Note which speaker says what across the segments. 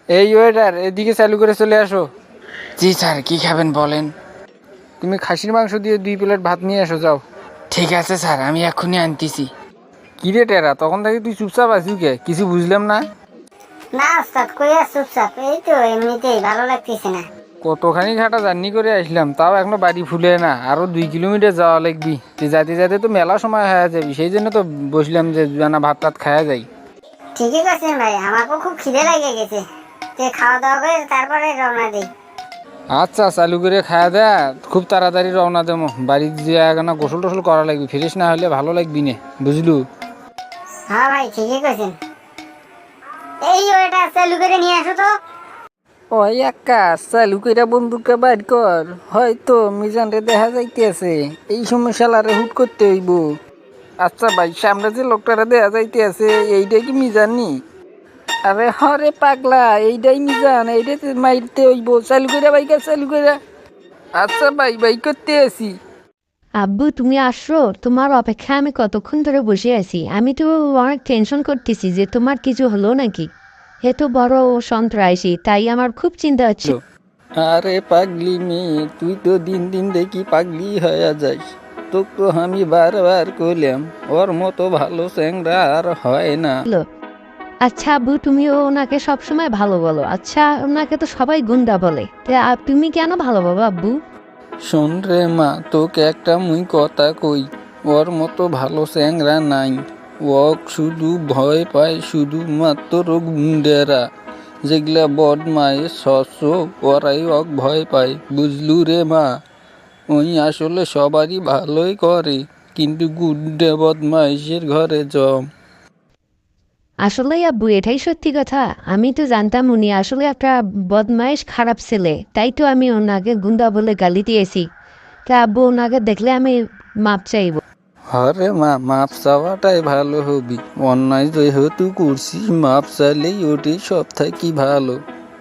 Speaker 1: এই ওয়েটার, এদিকে চালু করে চলে আসো। জি স্যার, কি খাবেন বলেন? তুমি খাসির মাংস দিয়ে 2 প্লেট ভাত নিয়ে এসো, যাও। ঠিক আছে স্যার, আমি এক্ষুনি আনতেছি। কি রে টেরা, তখন থেকে তুই চুপচাপ আছিস কে? কিছু বুঝলাম না।
Speaker 2: না ওস্তাদ, কইয়া চুপচাপ, এই তো এমনিতেই ভালো লাগতেছে না।
Speaker 1: কতখানি ঘাটা জার্নি করে আসলাম, তাও এখনো বাড়ি ফুলে না, আরো 2 কিলোমিটার যাওয়া লাগবি। তুই যাতে যাতে তো মেলা সময় হয়ে যাবি, সেই জন্য তো বসলাম যে না ভাত টাত খাওয়া যাই।
Speaker 2: ঠিকই করছেন ভাই, আমাকেও খুব খিদে লাগে গেছে। যে খাওয়া দাওয়া করে তারপরে রওনা দিই।
Speaker 1: আচ্ছা, চালু করে খাওয়া দেয়া, খুব তাড়াতাড়ি রওনা দেবো। বাড়ি যে না গোসল টোসল করা লাগবে, ফ্রেশ না হলে ভালো লাগবি না, বুঝলু?
Speaker 2: হ্যাঁ ভাই, ঠিকই করছেন। এই ওটা চালু করে নিয়ে আসো তো।
Speaker 1: ওই একা চালু কইরা বন্দুকটা বাইর কর, হয়তো মিজানরে দেখা যাইতেছে, এই সময় শালারে হুট করতে হইব। আচ্ছা ভাই, সামনে যে লোকটারে দেখা যাইতেছে, এইটাই কি মিজান নি? আরে হরে পাগলা, এইটাই মিজান, এইটাতে মাইরতে হইব। চালু কইরা বাইকা, চালু কইরা। আচ্ছা ভাই, বাইক করতে আছি।
Speaker 3: আব্বু তুমি আসো, তোমার অপেক্ষা আমি কতক্ষণ ধরে বসে আছি। আমি তো অনেক টেনশন করতেছি যে তোমার কিছু হলো নাকি। হে তো বড় সন্ত্রাসী, তাই আমার খুব চিন্তা হচ্ছে।
Speaker 1: আরে পাগলি মেয়ে, তুই তো দিন দিন দেখি পাগলি হয়ে যাস। তোকে তো আমি বারবার কইলাম, ওর মতো ভালো চ্যাংরা আর হয় না।
Speaker 3: আচ্ছা আব্বু, তুমিও ওনাকে সবসময় ভালো বলো। আচ্ছা, ওনাকে তো সবাই গুন্ডা বলে, তুমি কেন ভালো বাবা আব্বু?
Speaker 1: শোন রে মা, তোকে একটা মুই কথা কই, ওর মতো ভালো চ্যাংরা নাই। ও শুধু ভয় পায় শুধুমাত্র গুন্ডেরা, যেগুলা বদমাইশ শস্য, ওরাই ওক ভয় পায়, বুঝলু রে মা? ওই আসলে সবারই ভালোই করে, কিন্তু গুন্ডে বদমাইশের ঘরে জম।
Speaker 3: আসলে আব্বু, এটাই সত্যি কথা। আমি তো জানতাম উনি আসলে একটা বদমাইশ খারাপ ছেলে, তাই তো আমি ওনাকে গুন্ডা বলে গালি দিয়েছি। তা আব্বু, ওনাকে দেখলে আমি মাপ চাইব।
Speaker 1: হরে মা, মাপ চাওয়াটাই ভালো হবি। অন্যায় যেহেতু করছিস, মাপ চাইলেই ওটাই সব থাকি ভালো।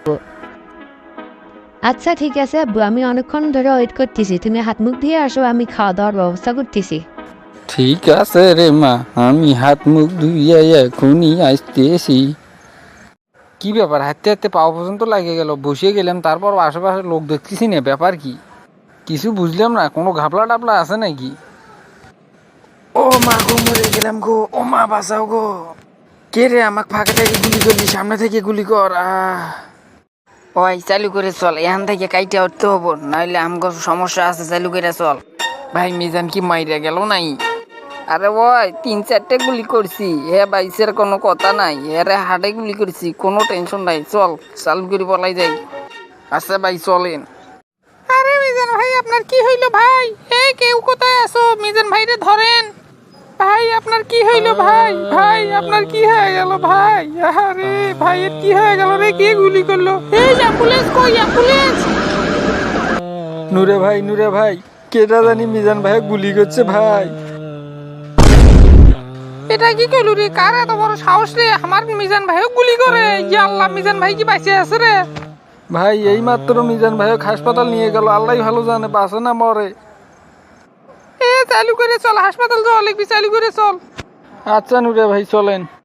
Speaker 3: আচ্ছা ঠিক আছে আব্বু, আমি অনেকক্ষণ ধরে ওয়েট করতেছি। তুমি হাত মুখ দিয়ে আসো, আমি খাওয়া দাওয়ার ব্যবস্থা করতেছি।
Speaker 1: ঠিক আছে রে মা, আমি হাত মুখ ধুইয়া এখনই আসতেছি। কি ব্যাপার, হাঁটতে হাঁটতে পাওয়া পর্যন্ত লাগে গেল, বসে গেলাম, তারপর আশেপাশে লোক দেখতেছি না, ব্যাপার কি? কিছু বুঝলাম না, কোনো ঘাপলা টাপলা আছে নাকি? ও মা গো, মরে গেলাম গো, ও মা বাঁচাও গো। কে রে, আমাকে ফাঁকা থেকে গুলি করলি, সামনে থেকে গুলি কর। ওই চালু করে চল, এখান থেকে কাইটা উঠতে হবো, নাহলে আমগো সমস্যা আছে, চালু করে চল। ভাই মিজান কি মাইরা গেল নাই? আরে ওই 3-4টে গুলি করছি, হে বাইসের কোনো কথা নাই, এরে হাটে গুলি করছি, কোনো টেনশন নাই, চল চালু করে বলাই যাই। আচ্ছা ভাই চলেন। আরে মিজান ভাই, আপনার কি হইলো ভাই? হে, কেউ কোথায় আছো? মিজান ভাইরে ধরেন। ভাই আপনার কি হইলো ভাই? ভাই আপনার কি হয়ে গেল ভাই? আরে ভাইয়ের কি হয়ে গেল রে? কে গুলি করলো? এই অ্যাম্বুলেন্স কই, অ্যাম্বুলেন্স? নুরে ভাই, নুরে ভাই, কেটা জানি মিজান ভাই গুলি করছে ভাই। এটা কি কইলু রে? কার এত বড় সাহস রে, আমার মিজান ভাইও গুলি করে? ইয়া আল্লাহ, মিজান ভাই কি বাঁচে আছে রে? ভাই এই মাত্র মিজান ভাইও হাসপাতাল নিয়ে গেল, আল্লাহ ভালো জানে বাঁচে না মরে। এ চালু করে চল, হাসপাতাল যাওয়া লাগবি, চালু করে চল। আচ্ছা নুরে ভাই চলেন।